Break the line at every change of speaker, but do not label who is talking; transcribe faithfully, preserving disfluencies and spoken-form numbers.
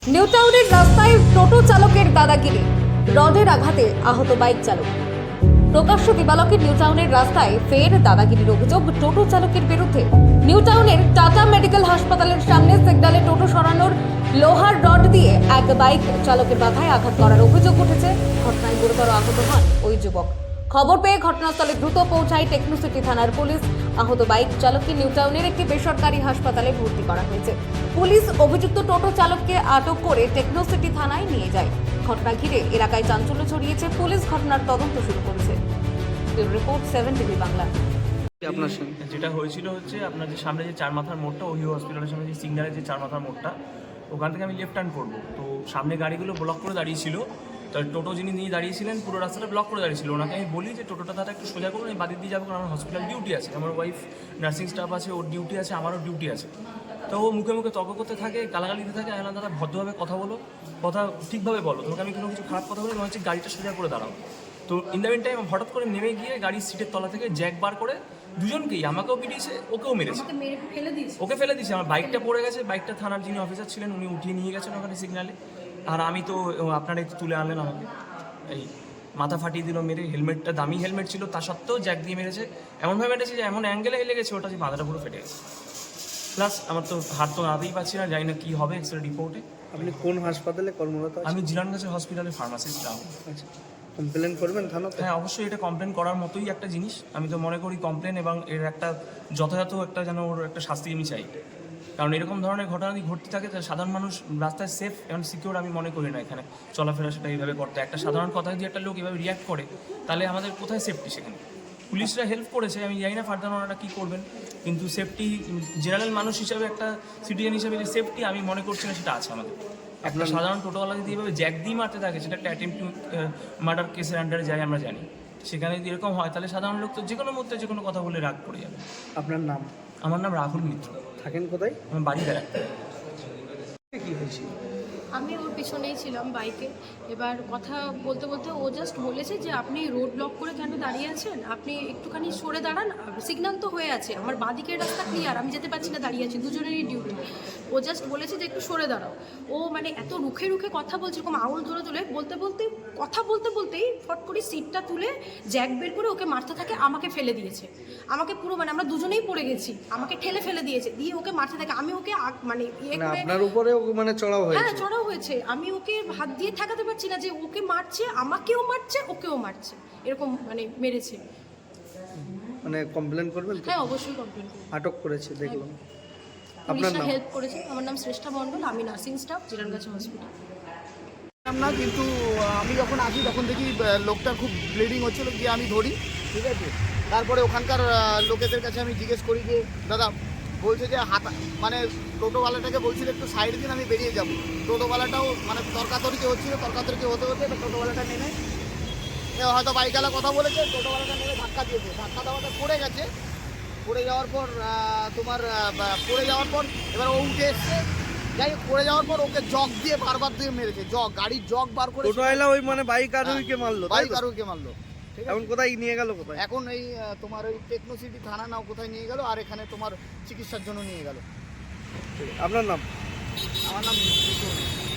New টাউনের রাস্তায় টোটো চালকের দাদাগিরি, রডের আঘাতে আহত বাইক চালক। প্রকাশ্য দিবালকের নিউ টাউনের রাস্তায় ফের দাদাগিরির অভিযোগ টোটো চালকের বিরুদ্ধে। নিউ টাউনের টাটা মেডিকেল হাসপাতালের সামনে সিগন্যালে টোটো সরানোর লোহার রড দিয়ে এক বাইক চালকের মাথায় আঘাত করার অভিযোগ উঠেছে। ঘটনায় গুরুতর আহত হন ওই যুবক। খবর পেয়ে ঘটনাস্থলে দ্রুত পৌঁছায় টেকনোসিটি থানার পুলিশ। আহত বাইক চালককে নিউ টাউনের একটি বেসরকারি হাসপাতালে ভর্তি করা হয়েছে। পুলিশ অভিযুক্ত টোটো চালককে আটক করে টেকনোসিটি থানায় নিয়ে যায়। ঘটনা ঘিরে এলাকায় চাঞ্চল্য ছড়িয়েছে। পুলিশ ঘটনার তদন্ত শুরু করেছে। Report seven TV Bangla.
আপনার সঙ্গে
যেটা হয়েছিল হচ্ছে আপনার যে সামনে যে চার মাথার মোড়টা, ওহিও হসপিটালের সামনে যে সিগন্যালের যে চার মাথার মোড়টা, ওখান থেকে আমি লেফট টার্ন করবো। তো সামনে গাড়িগুলো ব্লক করে দাঁড়িয়েছিল। তো টোটো যিনি নিয়ে দাঁড়িয়েছিলেন পুরো রাস্তাটা ব্লক করে দাঁড়িয়েছিল। ওনাকে আমি বলি যে টোটোটা তারা একটু সোজা করুন, আমি বাদিক দিয়ে যাবো, কারণ আমার হসপিটাল ডিউটি আছে, আমার ওয়াইফ নার্সিং স্টাফ আছে, ওর ডিউটি আছে, আমারও ডিউটি আছে। তো ও মুখে মুখে তর্ক করতে থাকে, গালাগালি দিতে থাকে। আমি দাদা ভদ্রভাবে কথা বলো, কথা ঠিকভাবে বলো, তোমাকে আমি কোনো কিছু খারাপ কথা বলি, মনে হচ্ছে গাড়িটা সোজা করে দাঁড়াও। তো ইন দ্য মিন টাইম হঠাৎ করে নেমে গিয়ে গাড়ির সিটের তলা থেকে জ্যাক বার করে দুজনকেই, আমাকেও পিটিয়েছে, ওকেও মেরেছে, ওকে ফেলে দিয়েছে। আমার বাইকটা পড়ে গেছে, বাইকটা থানার যিনি অফিসার ছিলেন উনি উঠিয়ে নিয়ে গেছেন ওখানে সিগনালে। আর আমি তো আপনারা একটু তুলে আনলেন আমাকে, এই মাথা ফাটিয়ে দিল মেরে। হেলমেটটা দামি হেলমেট ছিল, তা সত্ত্বেও জ্যাক দিয়ে মেরেছে। এমনভাবে মেরেছে যে এমন অ্যাঙ্গেলে লেগেছে ওটা যে মাথাটা পুরো ফেটে গেছে। প্লাস আমার তো হাত তো নাড়াতেই পারছি না, জানি না কী হবে এক্স রে রিপোর্টে।
আপনি কোন হাসপাতালে কর্মরত আছেন?
আমি জিলানগাছি হসপিটালে ফার্মাসিস্ট যাব।
আচ্ছা, কমপ্লেন করবেন থানাতে?
হ্যাঁ, অবশ্যই এটা কমপ্লেন করার মতোই একটা জিনিস। আমি তো মনে করি কমপ্লেন এবং এর একটা যথাযথ একটা যেন ওর একটা শাস্তি আমি চাই। কারণ এরকম ধরনের ঘটনা যদি ঘটতে থাকে তাহলে সাধারণ মানুষ রাস্তায় সেফ এবং সিকিউর আমি মনে করি না এখানে চলাফেরা সেটা এইভাবে করতে। একটা সাধারণ কথায় যদি একটা লোক এভাবে রিয়াক্ট করে তাহলে আমাদের কোথায় সেফটি সেখানে? পুলিশরা হেল্প করেছে, আমি জানি না ফার্দার ওনারা কী করবেন, কিন্তু সেফটি জেনারেল মানুষ হিসাবে একটা সিটিজেন হিসাবে যে সেফটি আমি মনে করছি না সেটা আছে আমাদের। একটা সাধারণ টোটোওয়ালা যদি এইভাবে জ্যাক দিয়ে মারতে থাকে, সেটা একটা অ্যাটেম্প টু মার্ডার কেসের আন্ডারে যায় আমরা জানি। সেখানে যদি এরকম হয় তাহলে সাধারণ লোক তো যে কোনো মুহূর্তে যে কোনো কথা বলে রাগ পড়ে যাবে।
আপনার নাম?
আমার নাম রাহুল মিত্র।
থাকেন কোথায়?
আমার বাড়ি বেড়াতে।
কি হয়েছিল?
আমি ওর পিছনেই ছিলাম বাইকে। এবার কথা বলতে বলতে ও জাস্ট বলেছে যে আপনি রোড ব্লক করে কেন দাঁড়িয়ে আছেন, আপনি একটুখানি সরে দাঁড়ান, সিগন্যাল তো হয়ে আছে, আমার বাঁদিকের রাস্তা ক্লিয়ার, আমি যেতে পারছি না, দাঁড়িয়ে আছি, দুজনেরই ডিউটি। ও জাস্ট বলেছে যে একটু সরে দাঁড়াও। ও মানে এত রুখে রুখে কথা বলছে, এরকম আউল ধরে তুলে বলতে বলতে কথা বলতে বলতেই ফট করে সিটটা তুলে জ্যাক বের করে ওকে মারতে থাকে, আমাকে ফেলে দিয়েছে। আমাকে পুরো মানে আমরা দুজনেই পড়ে গেছি, আমাকে ঠেলে ফেলে দিয়েছে, দিয়ে ওকে মারতে থাকে। আমি ওকে মানে ইয়ে করে,
আপনার উপরে মানে চড়াও হয়েছে?
হ্যাঁ চড়াও হয়েছে। আমি ওকে হাত দিয়ে ঠেকাতে পারছি না যে ওকে মারছে, আমাকেও মারছে, ওকেও মারছে, এরকম মানে মেরেছে।
মানে কমপ্লেন করবেন?
হ্যাঁ অবশ্যই কমপ্লেন করব।
আটক করেছে দেখলাম। আপনার
পুলিশরা
নাম?
হেল্প করেছে। আমার নাম শ্রেষ্ঠা মণ্ডল, আমি নার্সিং স্টাফ জিরানগাছি হসপিটাল।
না, কিন্তু আমি যখন আসি তখন দেখি আহ, লোকটার খুব ব্লিডিং হচ্ছিল, গিয়ে আমি ধরি, ঠিক আছে। তারপরে ওখানকার আহ, লোকেদের কাছে আমি জিজ্ঞেস করি যে দাদা, বলছে যে হাত মানে টোটোওয়ালাটাকে বলছিল একটু সাইড দিন, আমি বেরিয়ে যাবো। টোটোওয়ালাটাও মানে তর্কাতর্কি হচ্ছিল, তর্কাতর্কি হতে হতে এবার টোটোওয়ালাটা নেমে এ হয়তো বাইকওয়ালা কথা বলেছে, টোটোওয়ালাটা নেমে ধাক্কা দিয়েছে, ধাক্কা দেওয়াটা পড়ে গেছে। পড়ে যাওয়ার পর আহ, তোমার আহ, পড়ে যাওয়ার পর এবার ও উঠে এসছে, যাই হোক, পড়ে যাওয়ার পর ওকে জগ দিয়ে বারবার দিয়ে মেরেছে, জগ, গাড়ির জগ বার করে
টোটোওয়ালা ওই মানে বাইক আরোহীকে মারলো? তাই
বাইক
তো?
আরোহীকে মারলো, ঠিক আছে।
এখন কোথায় নিয়ে গেল? কোথায়
এখন এই আহ, তোমার ওই টেকনোসিটি থানা নাও কোথায় নিয়ে গেল, আর এখানে তোমার চিকিৎসার জন্য নিয়ে গেল।
আপনার নাম?
আমার নাম